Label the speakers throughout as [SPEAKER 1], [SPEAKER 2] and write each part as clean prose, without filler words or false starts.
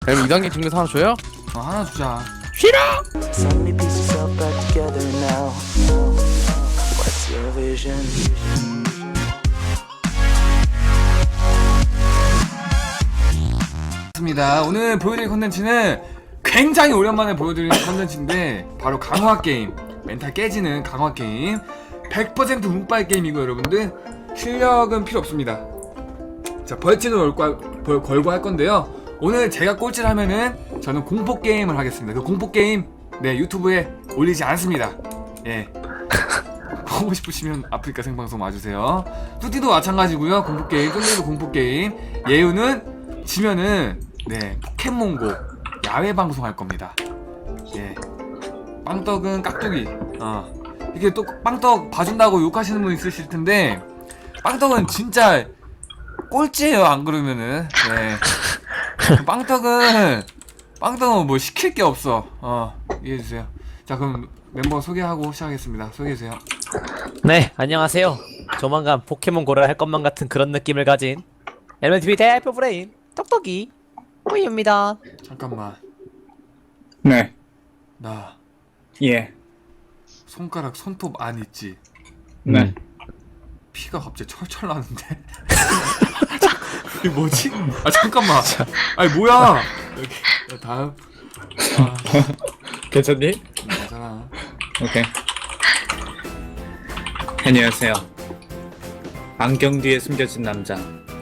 [SPEAKER 1] 그럼 2단계 증명서 하나 줘요?
[SPEAKER 2] 하나 주자.
[SPEAKER 1] 싫어!
[SPEAKER 3] So many pieces all back together now. What's your vision?
[SPEAKER 2] 맞습니다. 오늘 보여드릴 컨텐츠는 굉장히 오랜만에 보여드리는 컨텐츠인데 바로 강화 게임, 멘탈 깨지는 강화 게임, 100% 운빨 게임이고 여러분들 실력은 필요 없습니다. 자, 벌칙을 걸고 할 건데요. 오늘 제가 꼴찌를 하면은 저는 공포 게임을 하겠습니다. 그 공포 게임 유튜브에 올리지 않습니다. 예. 보고 싶으시면 아프리카 생방송 와주세요. 뚜띠도 마찬가지고요. 공포 게임, 뚜띠도 공포 게임. 예우는 지면은 포켓몬고 야외 방송 할 겁니다. 예. 빵떡은 깍두기. 이게 또 빵떡 봐준다고 욕하시는 분 있으실 텐데 빵떡은 진짜 꼴찌예요. 안 그러면은. 빵떡은 뭐 시킬 게 없어. 이해해 주세요. 자, 그럼 멤버 소개하고 시작하겠습니다. 소개해 주세요.
[SPEAKER 4] 네, 안녕하세요. 조만간 포켓몬고를 할 것만 같은 그런 느낌을 가진 LMTV 대표 브레인 똑똑이 호이입니다.
[SPEAKER 2] 잠깐만.
[SPEAKER 5] 네.
[SPEAKER 2] 나
[SPEAKER 5] 예.
[SPEAKER 2] 손가락 손톱 안 있지?
[SPEAKER 5] 네.
[SPEAKER 2] 피가 갑자기 철철 나는데. 이게 뭐지? 잠깐만. 아니 뭐야? 여기 다음.
[SPEAKER 5] 괜찮니?
[SPEAKER 2] 괜찮아.
[SPEAKER 5] 오케이. 안녕하세요. 안경 뒤에 숨겨진 남자.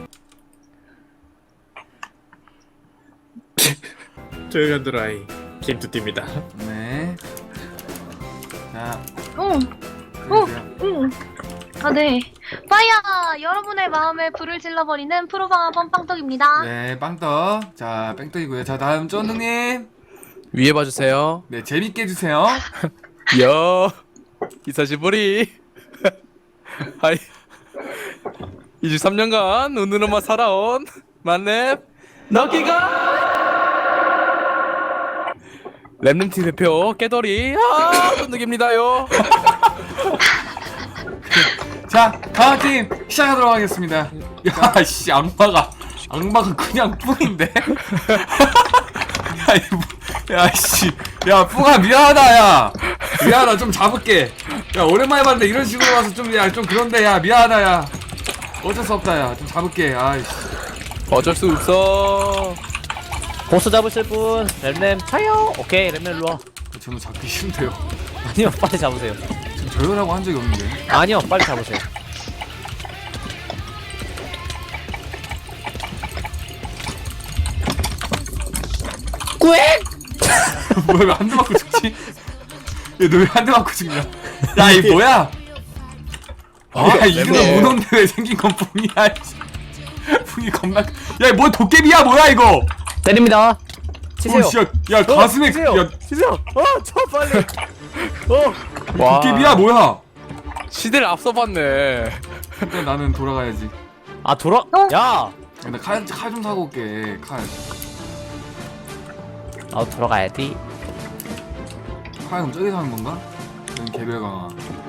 [SPEAKER 5] 조용한 드라이 김투띠입니다.
[SPEAKER 2] 네. 자.
[SPEAKER 6] 응. 아, 네. 파이어! 여러분의 마음에 불을 질러버리는 프로방아범 빵떡입니다.
[SPEAKER 2] 네, 빵떡. 자, 뺑떡이고요. 자, 다음 쫀득님.
[SPEAKER 1] 위에 봐주세요.
[SPEAKER 2] 네, 재밌게 해주세요.
[SPEAKER 1] 여 이사시보리. 하이 23년간 눈으로만 살아온 만렙 너기가 랩님팀 대표 깨돌이 쫀득입니다요.
[SPEAKER 2] 자, 다음 팀 시작하도록 하겠습니다. 야, 씨, 악마가 그냥 뿡인데? 야, 씨, 야, 뿡아 미안하다, 야, 미안하다, 좀 잡을게. 야, 오랜만에 봤는데 이런 식으로 와서 좀 그런데, 야, 미안하다, 야, 어쩔 수 없다, 야, 좀 잡을게. 아이씨.
[SPEAKER 1] 어쩔 수 없어.
[SPEAKER 4] 보스 잡으실 분 램램 파이어. 오케이, 램램 일로와.
[SPEAKER 2] 저는 잡기 싫은데요.
[SPEAKER 4] 아니요, 빨리 잡으세요.
[SPEAKER 2] 지금 저러라고 한 적이 없는데.
[SPEAKER 4] 아니요, 빨리 잡으세요.
[SPEAKER 2] 뭐야, 왜 한 대 맞고 죽지? 야, 너 왜 한 대 맞고 죽냐? 야, 이 뭐야? 야, 이름은 문어인데 왜 생긴 건 뿡이야? 뿡이 겁나. 야, 뭐 도깨비야, 뭐야 이거?
[SPEAKER 4] 때립니다. 치세요.
[SPEAKER 2] 오, 씨, 야, 가슴에,
[SPEAKER 4] 치세요.
[SPEAKER 2] 야,
[SPEAKER 4] 치세요. 쳐 빨리.
[SPEAKER 1] 와.
[SPEAKER 2] 도깨비야, 뭐야?
[SPEAKER 1] 시대를 앞서봤네.
[SPEAKER 2] 일단 나는 돌아가야지.
[SPEAKER 4] 아 돌아. 야.
[SPEAKER 2] 나 칼 좀 사고 올게. 칼
[SPEAKER 4] 아 돌아가야지.
[SPEAKER 2] 그럼 저기서 하는 건가? 여기 개별 강화.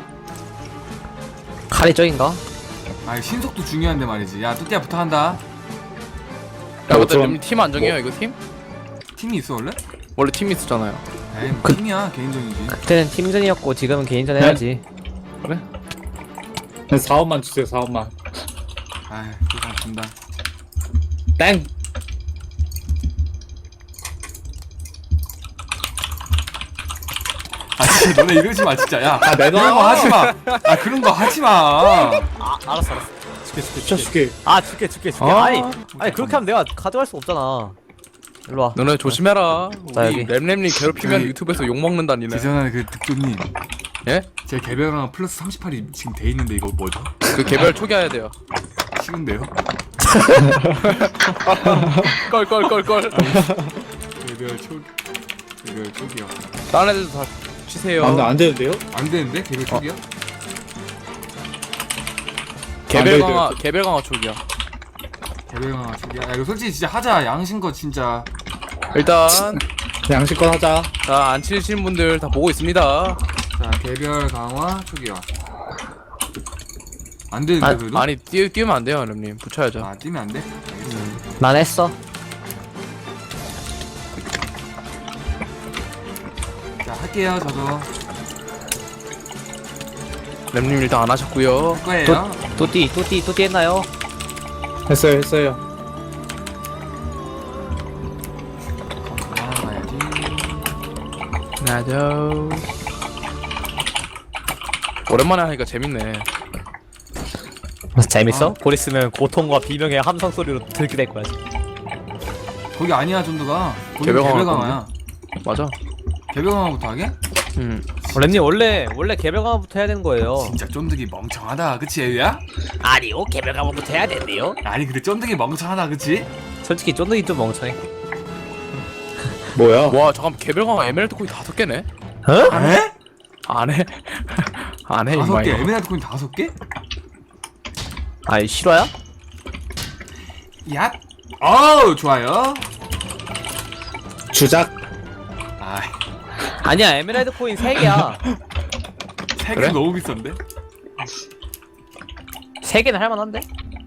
[SPEAKER 4] 칼이 저긴가?
[SPEAKER 2] 아, 신속도 중요한데 말이지. 야, 뚜띠야 부탁한다.
[SPEAKER 1] 야, 맞다.
[SPEAKER 5] 그럼-
[SPEAKER 1] 팀 안정해요 이거 팀?
[SPEAKER 2] 팀이 있어 원래?
[SPEAKER 1] 원래 팀이 있었잖아요.
[SPEAKER 2] 에이, 뭐 팀이야 개인전이지.
[SPEAKER 4] 그때는 팀전이었고 지금은 개인전 해야지.
[SPEAKER 1] 그래?
[SPEAKER 5] 4원만 주세요. 4원만.
[SPEAKER 2] 아이, 세상 준다.
[SPEAKER 5] 땡.
[SPEAKER 2] 아, 진짜 너네 이러지 마 진짜. 야,
[SPEAKER 5] 내놔.
[SPEAKER 2] 그런 거 하지 마. 아, 그런 거 하지 마.
[SPEAKER 4] 아 알았어.
[SPEAKER 5] 줄게.
[SPEAKER 4] 아 줄게. 아니 그렇게 하면 내가 가져갈 수 없잖아. 일로 와.
[SPEAKER 1] 너네 조심해라.
[SPEAKER 4] 자,
[SPEAKER 1] 우리
[SPEAKER 4] 여기.
[SPEAKER 1] 램램님 괴롭히면
[SPEAKER 2] 저기-
[SPEAKER 1] 유튜브에서 욕 먹는다니네.
[SPEAKER 2] 지전하는 그 득조님.
[SPEAKER 1] 예?
[SPEAKER 2] 제 개별 강화 플러스 38이 지금 돼 있는데 이거 뭐죠?
[SPEAKER 1] 그 개별 초기화해야 돼요.
[SPEAKER 2] 싫은데요?
[SPEAKER 1] 껄껄껄껄.
[SPEAKER 2] 개별 초기요.
[SPEAKER 1] 다른 애들도 다 치세요.
[SPEAKER 5] 안 되는데요?
[SPEAKER 2] 안 되는데 개별 초기야?
[SPEAKER 1] 개별 강화 초기야.
[SPEAKER 2] 개별 강화 초기야. 야, 이거 솔직히 진짜 하자. 양심껏 진짜.
[SPEAKER 1] 일단
[SPEAKER 5] 양식껏 하자.
[SPEAKER 1] 안 치신 분들 다 보고 있습니다.
[SPEAKER 2] 자, 개별 강화 초기화. 안 되는데
[SPEAKER 4] 아,
[SPEAKER 2] 그래도?
[SPEAKER 1] 아니 띄우면 안 돼요, 램님. 붙여야죠.
[SPEAKER 2] 아, 뛰면 안 돼? 알겠어.
[SPEAKER 4] 난 했어.
[SPEAKER 2] 자 할게요 저도.
[SPEAKER 1] 램님 일단 안 하셨고요.
[SPEAKER 2] 할 거예요.
[SPEAKER 4] 또띠 했나요?
[SPEAKER 5] 했어요.
[SPEAKER 2] 가야지.
[SPEAKER 1] 나도. 오랜만에 하니까 재밌네.
[SPEAKER 4] 재밌어? 곧 있으면 고통과 비명의 함성 소리로 들게 될 거야.
[SPEAKER 2] 거기 아니야 존드가. 거기
[SPEAKER 1] 개별강화
[SPEAKER 2] 개별강화야.
[SPEAKER 1] 맞아.
[SPEAKER 2] 개별강화부터 하게?
[SPEAKER 4] 램님 원래 개별 강화부터 해야 되는 거예요.
[SPEAKER 2] 진짜 쫀득이 멍청하다 그치 애유야?
[SPEAKER 4] 아니요, 개별 강화부터 해야 된대요.
[SPEAKER 2] 아니 근데 쫀득이 멍청하다 그치?
[SPEAKER 4] 솔직히 쫀득이 좀 멍청해.
[SPEAKER 5] 뭐야?
[SPEAKER 1] 와 잠깐 개별 강화 에메랄드 코인 5개네.
[SPEAKER 4] 어?
[SPEAKER 2] 에?
[SPEAKER 1] 안 해. 안 해.
[SPEAKER 2] 5개
[SPEAKER 1] 이마.
[SPEAKER 2] 에메랄드 코인 5개?
[SPEAKER 4] 아이 실화야?
[SPEAKER 2] 야? 어우 좋아요.
[SPEAKER 5] 주작.
[SPEAKER 2] 아이
[SPEAKER 4] 아니야, 에메랄드 코인 3개야.
[SPEAKER 2] 3개
[SPEAKER 1] 그래?
[SPEAKER 2] 너무 비싼데?
[SPEAKER 4] 3개는 할만한데?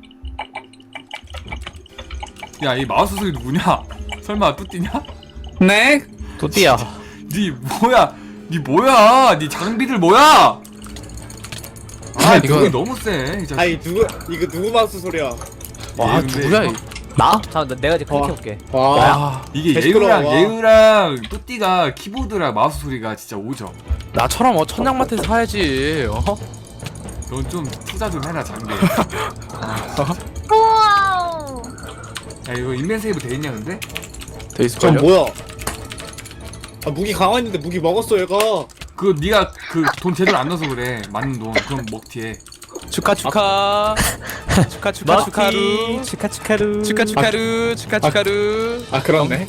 [SPEAKER 2] 야 이 마우스 소리 누구냐? 설마 뚜띠냐?
[SPEAKER 5] 네?
[SPEAKER 4] 또띠야.
[SPEAKER 2] 니 뭐야? 니 뭐야? 니 장비들 뭐야? 아
[SPEAKER 1] 이거-
[SPEAKER 2] 이거 너무 세. 이 자식.
[SPEAKER 5] 아니 이거 누구 마우스 소리야?
[SPEAKER 1] 와
[SPEAKER 2] 근데
[SPEAKER 1] 누구야?
[SPEAKER 2] 이거-
[SPEAKER 1] 이-
[SPEAKER 4] 나? 잠깐 내가 이제
[SPEAKER 5] 와.
[SPEAKER 4] 클릭해볼게.
[SPEAKER 5] 와.
[SPEAKER 1] 와
[SPEAKER 2] 이게
[SPEAKER 5] 개 시끄러워.
[SPEAKER 2] 예우랑 뚜띠가 키보드랑 마우스 소리가 진짜 오죠.
[SPEAKER 1] 나처럼 천냥마트에서 사야지.
[SPEAKER 2] 넌 좀 투자 좀 해라 장비.
[SPEAKER 6] 우와우.
[SPEAKER 2] 야 이거 인벤 세이브 돼 있냐 근데?
[SPEAKER 1] 돼
[SPEAKER 5] 전
[SPEAKER 1] 있을걸요?
[SPEAKER 5] 뭐야? 아 무기 강화했는데 무기 먹었어 얘가.
[SPEAKER 2] 그 네가 그 돈 제대로 안 넣어서 그래. 맞는 돈 그럼 먹튀해.
[SPEAKER 1] 축하. 축하루.
[SPEAKER 4] 축하루.
[SPEAKER 1] 축하루.
[SPEAKER 5] 아 그렇네.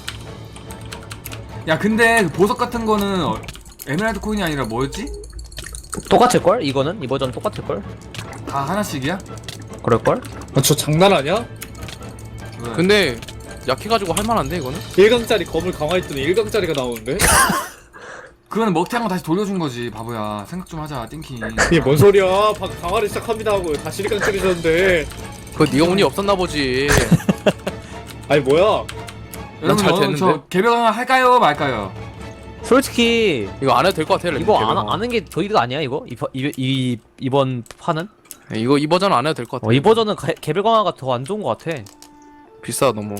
[SPEAKER 2] 야 근데 그 보석 같은 거는 에메랄드 코인이 아니라 뭐였지?
[SPEAKER 4] 똑같을걸? 이거는? 이 버전 똑같을걸?
[SPEAKER 2] 다 하나씩이야?
[SPEAKER 4] 그럴걸?
[SPEAKER 5] 아, 저 장난 아니야?
[SPEAKER 2] 왜?
[SPEAKER 1] 근데 약해가지고 할만한데 이거는?
[SPEAKER 5] 1강짜리 검을 강화했더니 1강짜리가 나오는데?
[SPEAKER 2] 그거는 먹튀한 거 다시 돌려준 거지 바보야. 생각 좀 하자 띵킹.
[SPEAKER 5] 이게 뭔 소리야? 방금 강화를 시작합니다 하고 다시 1강짜리셨는데.
[SPEAKER 1] 그거 네가 운이 없었나 보지.
[SPEAKER 5] 아니 뭐야?
[SPEAKER 1] 난잘
[SPEAKER 2] 여러분
[SPEAKER 1] 됐는데?
[SPEAKER 2] 저 개별 강화 할까요 말까요?
[SPEAKER 4] 솔직히
[SPEAKER 1] 이거 안 해도 될 것 같아요. 램님,
[SPEAKER 4] 이거
[SPEAKER 1] 개별 강화.
[SPEAKER 4] 아는 게 저희가 아니야 이거? 이번 판은?
[SPEAKER 1] 이거 이 버전 안 해도 될 것 같아.
[SPEAKER 4] 이 버전은 개별 강화가 더 안 좋은 것 같아.
[SPEAKER 1] 비싸 너무.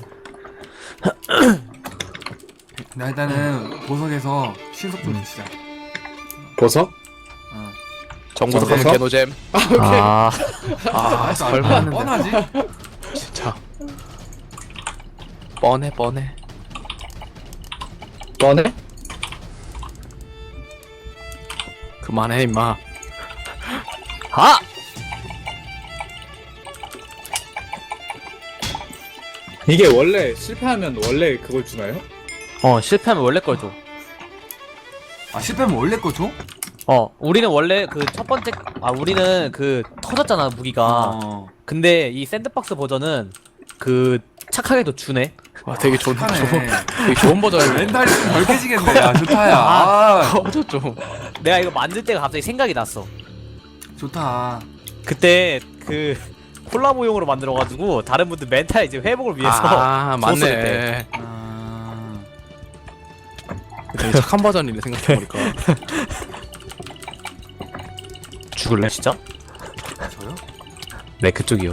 [SPEAKER 2] 나 일단은 보석에서 신속 좀 치자.
[SPEAKER 5] 보석?
[SPEAKER 2] 어.
[SPEAKER 1] 정보석 하면
[SPEAKER 5] 정보석?
[SPEAKER 1] 개노잼.
[SPEAKER 4] 아,
[SPEAKER 1] 아 설마 하는데.
[SPEAKER 2] 뻔하지?
[SPEAKER 1] 진짜. 뻔해.
[SPEAKER 5] 꺼내?
[SPEAKER 1] 그만해 임마.
[SPEAKER 4] 아!
[SPEAKER 5] 이게 원래 실패하면 원래 그걸 주나요?
[SPEAKER 4] 실패하면 원래 걸 줘.
[SPEAKER 2] 아 실패하면 원래 거 줘?
[SPEAKER 4] 우리는 원래 그 첫 번째, 우리는 그 터졌잖아 무기가. 근데 이 샌드박스 버전은 그 착하게도 주네.
[SPEAKER 1] 와 되게 좋은
[SPEAKER 2] 착하네.
[SPEAKER 1] 되게 좋은 버전이네.
[SPEAKER 2] 멘탈이 좀 덜 깨지겠네. 야 좋다야. 아,
[SPEAKER 1] 꺼져 좀.
[SPEAKER 4] 내가 이거 만들 때가 갑자기 생각이 났어.
[SPEAKER 2] 좋다.
[SPEAKER 4] 그때 그 콜라보용으로 만들어가지고 다른 분들 멘탈 이제 회복을 위해서
[SPEAKER 1] 아
[SPEAKER 4] 줬어,
[SPEAKER 1] 맞네.
[SPEAKER 2] 아...
[SPEAKER 1] 되게 착한 버전이네 생각해보니까.
[SPEAKER 4] 죽을래 진짜?
[SPEAKER 2] 저요?
[SPEAKER 4] 네 그쪽이요.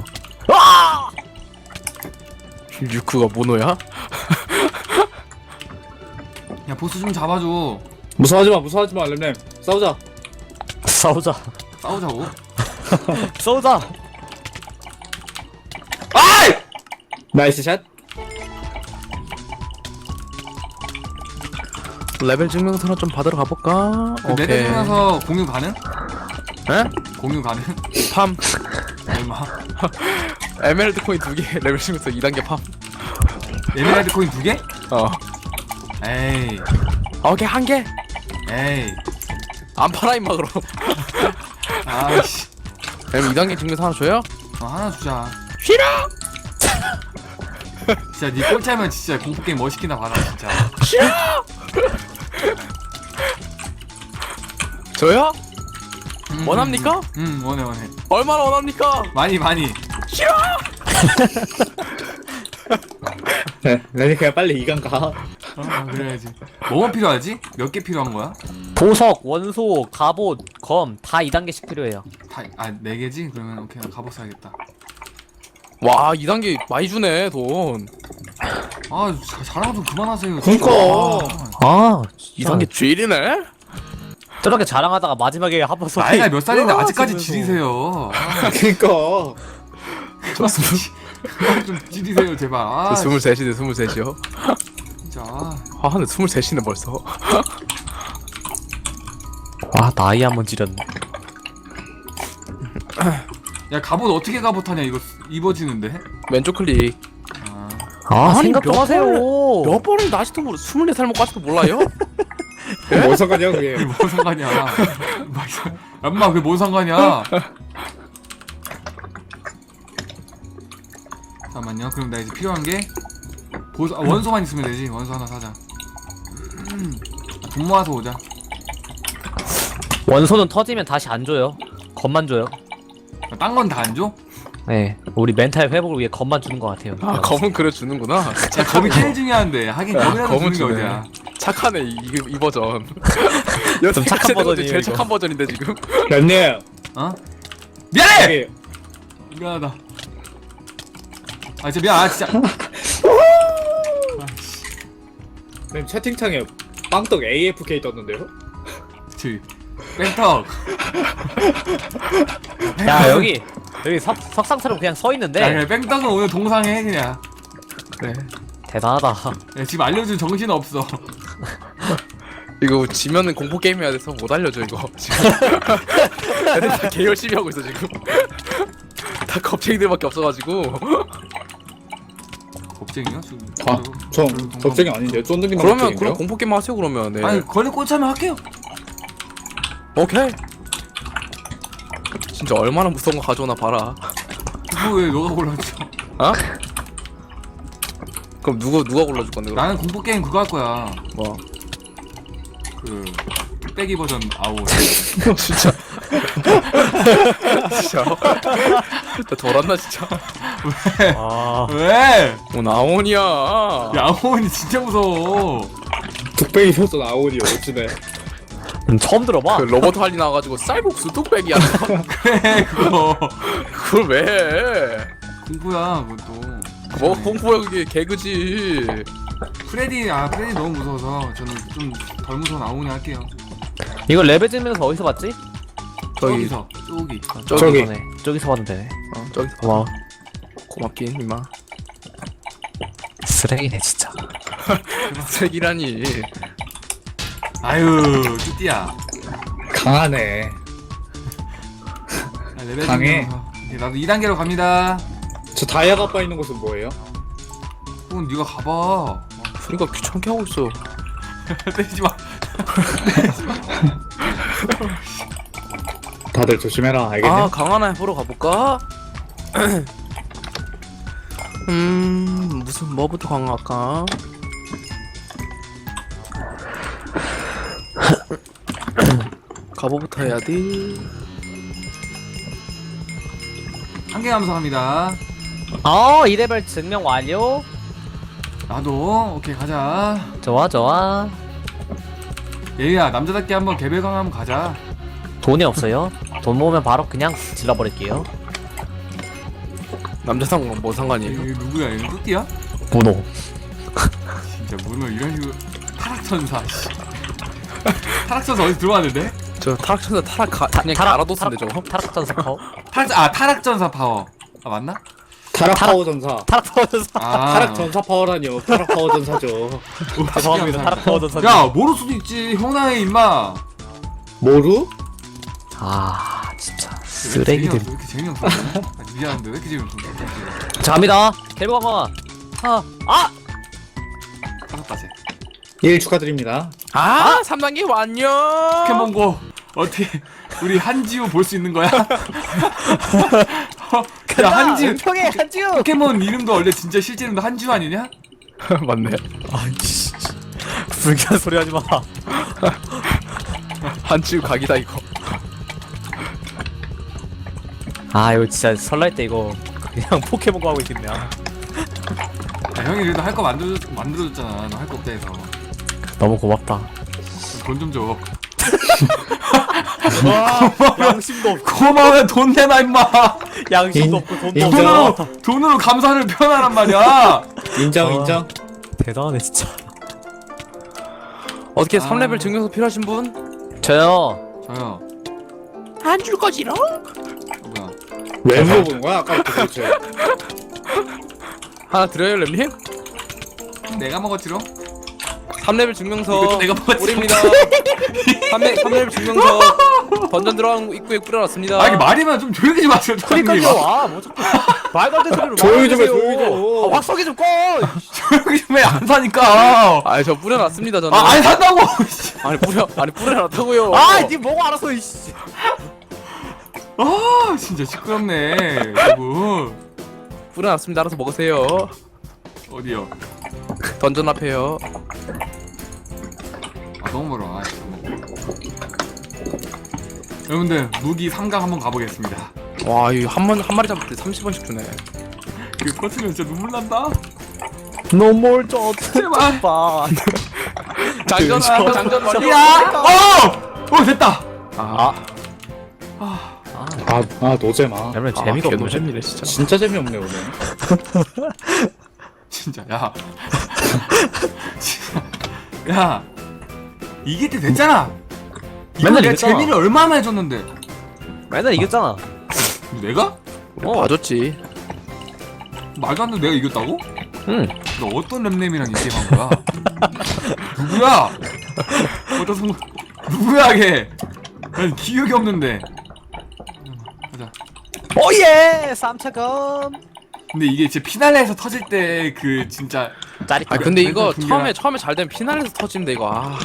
[SPEAKER 1] 유쿠가 모노야?
[SPEAKER 2] 야 보스 좀 잡아줘.
[SPEAKER 5] 무서워하지 마 렘렘. 싸우자.
[SPEAKER 4] 싸우자.
[SPEAKER 2] 싸우자고.
[SPEAKER 4] 싸우자.
[SPEAKER 5] 나이스 샷.
[SPEAKER 1] 레벨 증명서나 좀 받으러 가볼까?
[SPEAKER 2] 그 레벨 중에서 공유 가능?
[SPEAKER 1] 에?
[SPEAKER 2] 공유 가능?
[SPEAKER 1] 팜.
[SPEAKER 2] 얼마?
[SPEAKER 1] 에메랄드 코인 2개 레벨 증명서 2단계 팜.
[SPEAKER 2] 에메랄드 코인 2개?
[SPEAKER 1] 에이
[SPEAKER 2] 에이.
[SPEAKER 1] 오케이 1개.
[SPEAKER 2] 에이.
[SPEAKER 1] 안 팔아 임마 그럼.
[SPEAKER 2] 아씨.
[SPEAKER 1] 그럼 2단계 증명서 하나 줘요?
[SPEAKER 2] 하나 주자.
[SPEAKER 1] 싫어.
[SPEAKER 2] 진짜 니 꼴찌하면 진짜 공포 게임 멋있기나 봐라 진짜.
[SPEAKER 1] 저요? 원합니까?
[SPEAKER 2] 원해.
[SPEAKER 1] 얼마나 원합니까?
[SPEAKER 2] 많이.
[SPEAKER 5] 네, 렘이 그냥 빨리 2강 가.
[SPEAKER 2] 그래야지. 뭐가 필요하지? 몇 개 필요한 거야?
[SPEAKER 4] 보석, 원소, 갑옷, 검 다 2단계씩 필요해요.
[SPEAKER 2] 네 개지? 그러면 오케이 나 갑옷 사야겠다.
[SPEAKER 1] 와 2단계 많이 주네 돈.
[SPEAKER 2] 자랑 좀 그만하세요.
[SPEAKER 5] 그니까.
[SPEAKER 4] 아
[SPEAKER 1] 2단계 주일이네?
[SPEAKER 4] 저렇게 자랑하다가 마지막에 한번 쏘.
[SPEAKER 2] 나이가 몇 살인데 아직까지 지리세요.
[SPEAKER 5] 그니까.
[SPEAKER 2] 좀 지리세요 제발.
[SPEAKER 1] 저 23시네 23시요.
[SPEAKER 2] 진짜.
[SPEAKER 1] 아 근데 23시네 벌써.
[SPEAKER 4] 와 나이 한번 지렸네.
[SPEAKER 2] 야 갑옷 어떻게 갑옷하냐 이거 입어지는데?
[SPEAKER 1] 왼쪽 클릭.
[SPEAKER 4] 아
[SPEAKER 1] 아니,
[SPEAKER 4] 생각 좀
[SPEAKER 1] 몇
[SPEAKER 4] 하세요.
[SPEAKER 1] 몇 번을 아직도 모르 24살 먹고 아직도 몰라요?
[SPEAKER 5] 뭔 상관이야 그게.
[SPEAKER 2] 그게 뭔 상관이야? 엄마 그게 뭔 상관이야? 잠깐만요. 그럼 나 이제 필요한 게 원소만 있으면 되지. 원소 하나 사자. 돈 모아서 오자.
[SPEAKER 4] 원소는 터지면 다시 안 줘요. 검만 줘요.
[SPEAKER 2] 딴 건 다 안 줘?
[SPEAKER 4] 네, 우리 멘탈 회복을 위해 검만 주는 것 같아요.
[SPEAKER 1] 아 검은 그래 주는구나.
[SPEAKER 2] 야 검이 제일 중요한데. 하긴 검이라도
[SPEAKER 1] 검은
[SPEAKER 2] 주는 게
[SPEAKER 1] 주네.
[SPEAKER 2] 어디야?
[SPEAKER 1] 착하네 이 버전.
[SPEAKER 4] 좀 착한 버전이에요,
[SPEAKER 1] 제일
[SPEAKER 4] 이거.
[SPEAKER 1] 착한 버전인데 지금.
[SPEAKER 5] 님
[SPEAKER 2] 어? 미안해!
[SPEAKER 5] 여기
[SPEAKER 2] 미안하다. 진짜 미안. 진짜.
[SPEAKER 5] 님 채팅창에 빵떡 AFK 떴는데요?
[SPEAKER 2] 저기 뺑턱.
[SPEAKER 4] 야 여기 석상처럼 그냥 서 있는데
[SPEAKER 2] 야 그래 뺑떡은 오늘 동상해 그냥.
[SPEAKER 1] 그래.
[SPEAKER 4] 대단하다.
[SPEAKER 2] 야, 지금 알려준 정신 없어.
[SPEAKER 1] 이거 지면은 공포 게임 해야 돼서 못 알려줘 이거 지금. 애들 다 개 열심히 하고 있어 지금. 다 겁쟁이들밖에 없어가지고.
[SPEAKER 2] 겁쟁이요?
[SPEAKER 5] 전 적쟁이 아닌데 쫀득이만
[SPEAKER 1] 그러면
[SPEAKER 5] 겁쟁인데요?
[SPEAKER 1] 그럼 공포 게임 하세요 그러면. 네.
[SPEAKER 2] 아니 걸리 꽂자면 할게요.
[SPEAKER 1] 오케이. 진짜 얼마나 무서운 거 가져오나 봐라.
[SPEAKER 2] 그거 왜 너가 골라줘?
[SPEAKER 1] 어? 그럼 누가 골라줄 건데 그럼?
[SPEAKER 2] 나는 공포 게임 그거 할 거야.
[SPEAKER 1] 뭐?
[SPEAKER 2] 그 뚝배기 버전 아웃.
[SPEAKER 1] 진짜. 진짜. 나 돌았나 진짜.
[SPEAKER 4] 아
[SPEAKER 2] 왜?
[SPEAKER 1] 뭐 나온이야.
[SPEAKER 2] 야 아웃이 진짜 무서워.
[SPEAKER 5] 뚝배기 소스 나오니 어찌네.
[SPEAKER 4] 처음 들어봐.
[SPEAKER 1] 그 로버트 할리 나와가지고 쌀국수 뚝배기야.
[SPEAKER 2] 그래 그거
[SPEAKER 1] 그걸 왜 해?
[SPEAKER 2] 공포야 그것도.
[SPEAKER 1] 뭐 공포야 그게 개그지.
[SPEAKER 2] 프레디 너무 무서워서 저는 좀 덜 무서운 아웃이 할게요.
[SPEAKER 4] 이거 레벨 찍면서 어디서 봤지?
[SPEAKER 1] 저기
[SPEAKER 2] 저기서 저기.
[SPEAKER 5] 저기.
[SPEAKER 4] 이번에 저기서 봤는데.
[SPEAKER 1] 저기서
[SPEAKER 4] 와
[SPEAKER 1] 고맙긴 임마.
[SPEAKER 4] 쓰레기네 진짜.
[SPEAKER 1] 색이라니.
[SPEAKER 2] 아유 뚜띠야.
[SPEAKER 5] 강하네.
[SPEAKER 2] 레벨
[SPEAKER 5] 강해.
[SPEAKER 2] 좀 이제 나도 2단계로 갑니다.
[SPEAKER 5] 저 다이아가 빠 있는 곳은 뭐예요?
[SPEAKER 2] 그건 네가 가봐.
[SPEAKER 1] 그러니까 귀찮게 하고 있어.
[SPEAKER 2] 때리지 마.
[SPEAKER 5] 다들 조심해라 알겠니?
[SPEAKER 1] 아 강하나 보러 가볼까? 무슨 뭐부터 강할까? 갑오부터 해야 돼.
[SPEAKER 2] 한 개 감사합니다.
[SPEAKER 4] 2레벨 증명 완료.
[SPEAKER 2] 나도 오케이 가자.
[SPEAKER 4] 좋아.
[SPEAKER 2] 예유야 남자답게 한번 개별강 한번 가자.
[SPEAKER 4] 돈이 없어요. 돈 모으면 바로 그냥 질러버릴게요.
[SPEAKER 1] 남자 상관 뭐 상관이에요?
[SPEAKER 2] 얘 누구야? 얘 뚜띠야?
[SPEAKER 4] 문호.
[SPEAKER 2] 진짜 문어 이런 식으로 타락천사. 타락천사 어디 들어왔는데?
[SPEAKER 1] 저 타락천사 그냥 갈아뒀는데 저거.
[SPEAKER 4] 타락전사 파워.
[SPEAKER 2] 타락전사 파워. 맞나?
[SPEAKER 5] 타락 파워 전사.
[SPEAKER 4] 타락 파워 전사.
[SPEAKER 5] 타락 전사 파워라니요. 타락 파워 전사죠.
[SPEAKER 4] 죄송합니다. 타락 파워 전사.
[SPEAKER 2] 야 모를 수도 있지. 형나의 임마.
[SPEAKER 5] 모루?
[SPEAKER 4] 아 진짜
[SPEAKER 2] 왜
[SPEAKER 4] 쓰레기들.
[SPEAKER 2] 이렇게 재미없어? 미안한데 왜 이렇게 재미없어?
[SPEAKER 4] 자 갑니다. 개봉아.
[SPEAKER 2] 타락다 쟤.
[SPEAKER 5] 1 축하드립니다.
[SPEAKER 1] 3단계 완료.
[SPEAKER 2] 포켓몬고 어떻게 우리 한지우 볼 수 있는 거야? 야 한지우
[SPEAKER 4] 평해 한지우.
[SPEAKER 2] 포켓몬 이름도 원래 진짜 실제 이름도 한지우 아니냐?
[SPEAKER 1] 맞네.
[SPEAKER 4] 아이씨. 불쾌한 소리 하지 마.
[SPEAKER 1] 한치우 각이다 이거.
[SPEAKER 4] 이거 진짜 설날 때 이거 그냥 포켓몬고 하고 있겠네.
[SPEAKER 2] 야, 형이 그래도 할 거 만들어줬잖아. 너 할 거 없다 해서.
[SPEAKER 4] 너무 고맙다.
[SPEAKER 2] 돈 좀 줘.
[SPEAKER 4] 양심도 없고
[SPEAKER 2] 고마우면 돈 내놔 임마.
[SPEAKER 4] 양심도 없고 돈도
[SPEAKER 5] 인정.
[SPEAKER 4] 없고.
[SPEAKER 2] 돈으로 감사를 표현하란 말이야.
[SPEAKER 5] 인정
[SPEAKER 4] 어.
[SPEAKER 5] 인정.
[SPEAKER 4] 대단하네 진짜.
[SPEAKER 1] 어떻게 3레벨 증명서 필요하신 분?
[SPEAKER 4] 저요.
[SPEAKER 2] 저요.
[SPEAKER 1] 안 줄 거지롱?
[SPEAKER 2] 뭐야?
[SPEAKER 5] 왜 물어보는 거야 아까부터 도대체.
[SPEAKER 1] 하나 드려요 렘님?
[SPEAKER 2] 내가 먹었지롱?
[SPEAKER 1] 3레벨 증명서
[SPEAKER 2] 이것도 내가 먹었지.
[SPEAKER 1] 우리입니다. 3레벨 증명서 던전 들어간 입구에 뿌려놨습니다.
[SPEAKER 2] 아 이게 말이면 좀 조용히 좀 하세요.
[SPEAKER 4] 그러니까요. 아뭐 자꾸 말도 안 되는 소리로
[SPEAKER 5] 조용히 좀 해,
[SPEAKER 4] 말하세요.
[SPEAKER 5] 조용히 좀.
[SPEAKER 4] 확성기 좀 꺼.
[SPEAKER 2] 조용히 좀 해. 안 사니까.
[SPEAKER 1] 아니 저 뿌려놨습니다 저는.
[SPEAKER 2] 안 산다고.
[SPEAKER 1] 아니 뿌려놨다고요.
[SPEAKER 4] 아니 뭐고 알아서 이씨.
[SPEAKER 2] 아 진짜 시끄럽네. 여러분.
[SPEAKER 1] 뿌려놨습니다. 알아서 먹으세요.
[SPEAKER 2] 어디요?
[SPEAKER 1] 던전 앞에요.
[SPEAKER 2] 아 너무 멀어. 아, 여러분들 무기 3강 한번 가보겠습니다.
[SPEAKER 1] 와 이거 한 마리 잡을 때 30원씩 주네.
[SPEAKER 2] 그 터치면 진짜 눈물 난다.
[SPEAKER 4] 노몰 저
[SPEAKER 2] 제발.
[SPEAKER 4] 봐.
[SPEAKER 1] 장전 완료.
[SPEAKER 2] 야! 어 됐다.
[SPEAKER 5] 아 노잼아.
[SPEAKER 4] 여러분 재미가 없네.
[SPEAKER 1] 노잼이네 진짜.
[SPEAKER 5] 진짜 재미없네 오늘.
[SPEAKER 2] 진짜 야. 진짜. 야. 이길 때 됐잖아. 이거
[SPEAKER 4] 맨날
[SPEAKER 2] 내가
[SPEAKER 4] 이겼잖아.
[SPEAKER 2] 재미를 얼마나 해줬는데.
[SPEAKER 4] 맨날 이겼잖아.
[SPEAKER 2] 내가?
[SPEAKER 1] 봐줬지.
[SPEAKER 2] 말도 안 돼. 내가 이겼다고?
[SPEAKER 4] 응.
[SPEAKER 2] 너 어떤 랩nem이랑 이 게임 한 거야? 누구야? 누구야 걔? 난 기억이 없는데. 가자.
[SPEAKER 4] 오예 3차검.
[SPEAKER 2] 근데 이게 진짜 피날레에서 터질 때 그 진짜
[SPEAKER 4] 짜릿.
[SPEAKER 1] 아 근데 이거
[SPEAKER 2] 분위기가-
[SPEAKER 1] 처음에 잘 되면 피날레에서 터지는데 이거 아.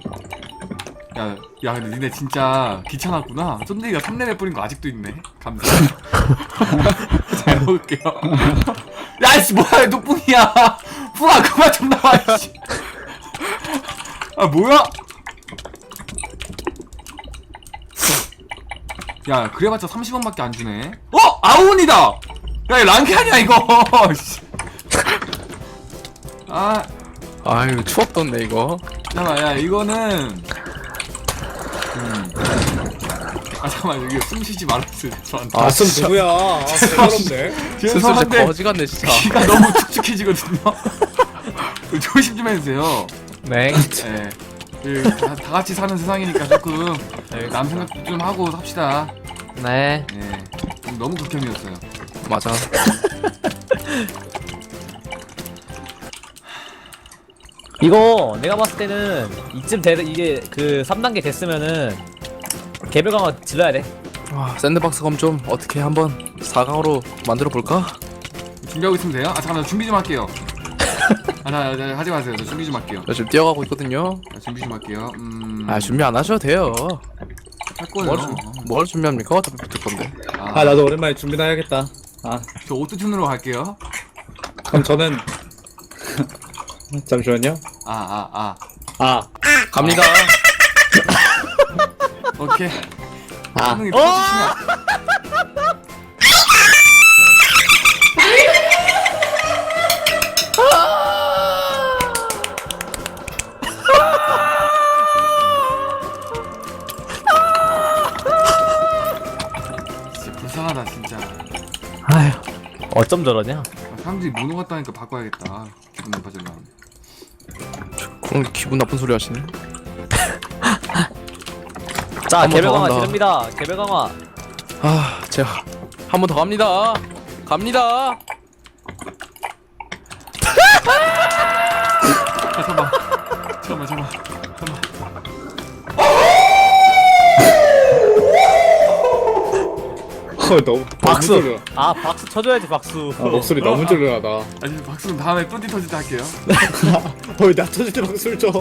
[SPEAKER 2] 야 근데 니네 진짜 귀찮았구나. 쫀디가 3레벨 뿌린 거 아직도 있네. 감사. 잘 먹을게요. 야이씨 뭐야 너 뿡이야. 뿡아 그만 좀 나와 이씨. 아 뭐야? 야 그래봤자 30원밖에 안 주네. 아운이다. 야 이거 랑캐 아니야 이거. 씨. 아
[SPEAKER 1] 아유 추억 돋네 이거.
[SPEAKER 2] 잠깐만 야 이거는 아 잠깐만 여기 숨 쉬지 말았어요 저한테.
[SPEAKER 5] 아슴 누구야? 아 부끄럽네.
[SPEAKER 1] 슬슬
[SPEAKER 2] 죄송한데
[SPEAKER 1] 거지 같네 진짜.
[SPEAKER 2] 귀가 너무 축축해지거든요. 조심 좀 해주세요.
[SPEAKER 4] 네.
[SPEAKER 2] 예. 다 같이 사는 세상이니까 조금 남 생각 좀 하고 삽시다.
[SPEAKER 4] 네.
[SPEAKER 2] 예. 좀 너무 극혐이었어요.
[SPEAKER 1] 맞아.
[SPEAKER 4] 이거 내가 봤을 때는 이쯤 이게 그 3단계 됐으면은 개별 강화 질러야 돼.
[SPEAKER 1] 와 샌드박스 검 좀 어떻게 한번 4강으로 만들어 볼까?
[SPEAKER 2] 준비하고 있으면 돼요? 아 잠깐만 저 준비 좀 할게요. 나 하지 마세요. 저 준비 좀 할게요.
[SPEAKER 1] 저 지금 뛰어가고 있거든요.
[SPEAKER 2] 준비 좀 할게요.
[SPEAKER 1] 아 준비 안 하셔도 돼요.
[SPEAKER 2] 할 거예요.
[SPEAKER 1] 뭘 준비합니까? 어차피 붙을 건데.
[SPEAKER 5] 아 나도 오랜만에 준비나 해야겠다. 아
[SPEAKER 2] 저 오토튠으로 갈게요.
[SPEAKER 5] 그럼 저는 잠시만요.
[SPEAKER 2] 아.
[SPEAKER 5] 아
[SPEAKER 1] 갑니다.
[SPEAKER 2] 오케이.
[SPEAKER 5] 아.
[SPEAKER 2] 반응이 터지시면. 진짜 불쌍하다 진짜.
[SPEAKER 4] 아휴. 어쩜 저러냐?
[SPEAKER 2] 사람들이 모노 같다니까 바꿔야겠다. 기분 나빠질라.
[SPEAKER 1] 그런 기분 나쁜 소리 하시네.
[SPEAKER 4] 자
[SPEAKER 1] 한번
[SPEAKER 4] 개별
[SPEAKER 1] 더
[SPEAKER 4] 강화
[SPEAKER 1] 간다.
[SPEAKER 4] 지릅니다. 개별 강화.
[SPEAKER 1] 아 제가 한 번 더 갑니다. 갑니다.
[SPEAKER 2] 잠깐만.
[SPEAKER 5] 너무
[SPEAKER 4] 박수.
[SPEAKER 5] 너무 졸려.
[SPEAKER 4] 아 박수 쳐줘야지 박수.
[SPEAKER 5] 아, 목소리 너무 졸려하다.
[SPEAKER 2] 아니 박수는 다음에 뚜디 터질 때 할게요.
[SPEAKER 5] 나 터질 때 박수를 쳐.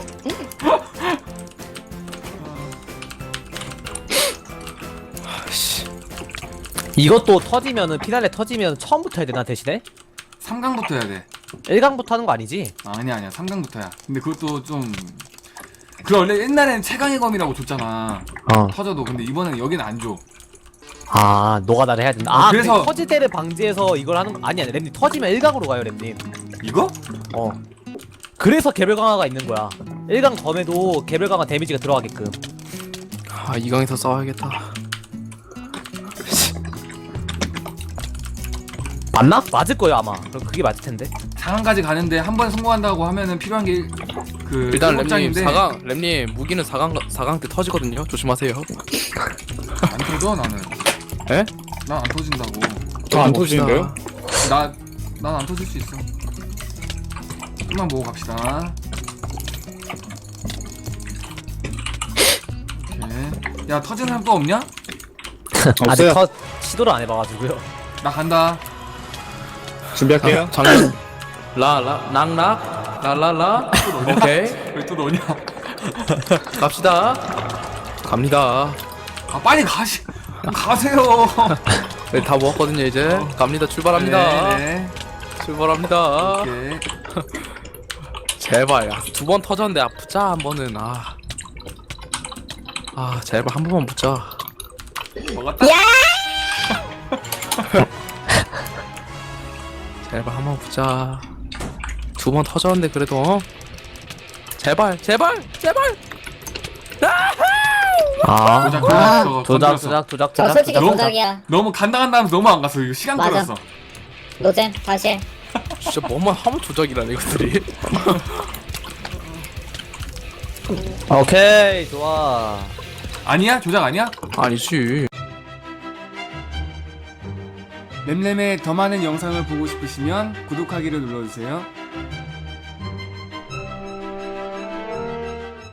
[SPEAKER 4] 이것도 터지면은 피날레 터지면 처음부터 해야 되나 대신에?
[SPEAKER 2] 3강부터 해야 돼.
[SPEAKER 4] 1강부터 하는 거 아니지?
[SPEAKER 2] 아니야 3강부터야. 근데 그것도 좀 그 원래 옛날에는 최강의 검이라고 줬잖아.
[SPEAKER 4] 어.
[SPEAKER 2] 터져도. 근데 이번엔 여긴 안 줘.
[SPEAKER 4] 아 노가다를 해야 된다. 아
[SPEAKER 2] 그래서-
[SPEAKER 4] 그래서 터질 때를 방지해서 이걸 하는 거 아니야. 램님 터지면 1강으로 가요 램님.
[SPEAKER 2] 이거?
[SPEAKER 4] 어. 그래서 개별 강화가 있는 거야. 1강 검에도 개별 강화 데미지가 들어가게끔.
[SPEAKER 1] 아 2강에서 싸워야겠다.
[SPEAKER 4] 맞나? 맞을 거예요 아마. 그럼 그게 맞을 텐데.
[SPEAKER 2] 4강까지 가는데 한 번 성공한다고 하면은 필요한 게 그
[SPEAKER 1] 일단 랩님
[SPEAKER 2] 7장인데
[SPEAKER 1] 4강 랩님 무기는 4강 때 터지거든요. 조심하세요.
[SPEAKER 2] 안 터져 나는.
[SPEAKER 1] 에?
[SPEAKER 2] 난 안 터진다고.
[SPEAKER 5] 저안 터지는데요?
[SPEAKER 2] 난 안 터질 수 있어. 좀만 보고 갑시다. 오케이. 야 터지는 사람 또 없냐?
[SPEAKER 4] 아직
[SPEAKER 5] 없어요.
[SPEAKER 4] 시도를 안 해봐가지고요.
[SPEAKER 2] 나 간다.
[SPEAKER 5] 준비할게요.
[SPEAKER 1] 장난. 라라 낭락 라라라. 오케이
[SPEAKER 2] 왜 또 너냐?
[SPEAKER 1] 갑시다. 갑니다.
[SPEAKER 2] 아 빨리 가세요.
[SPEAKER 1] 네, 다 모았거든요 이제. 갑니다. 출발합니다.
[SPEAKER 2] 네.
[SPEAKER 1] 출발합니다.
[SPEAKER 2] 오케이.
[SPEAKER 1] 제발 2번 터졌는데 붙자 한 번은. 제발 한 번만 붙자.
[SPEAKER 2] 먹었다.
[SPEAKER 1] 제발 한 번 붙자. 2번 터졌는데 그래도 제발.
[SPEAKER 4] 아
[SPEAKER 2] 조작.
[SPEAKER 7] 저 솔직히
[SPEAKER 2] 너무
[SPEAKER 7] 조작이야.
[SPEAKER 2] 너무 간다면서 너무 안 갔어. 이거 시간
[SPEAKER 7] 맞아.
[SPEAKER 2] 끌었어.
[SPEAKER 7] 노잼 다시 해.
[SPEAKER 1] 진짜 뭐만 하면 조작이라네 이것들이.
[SPEAKER 4] 오케이 좋아.
[SPEAKER 2] 아니야? 조작 아니야?
[SPEAKER 1] 아니지.
[SPEAKER 2] 램램의 더 많은 영상을 보고 싶으시면 구독하기를 눌러주세요.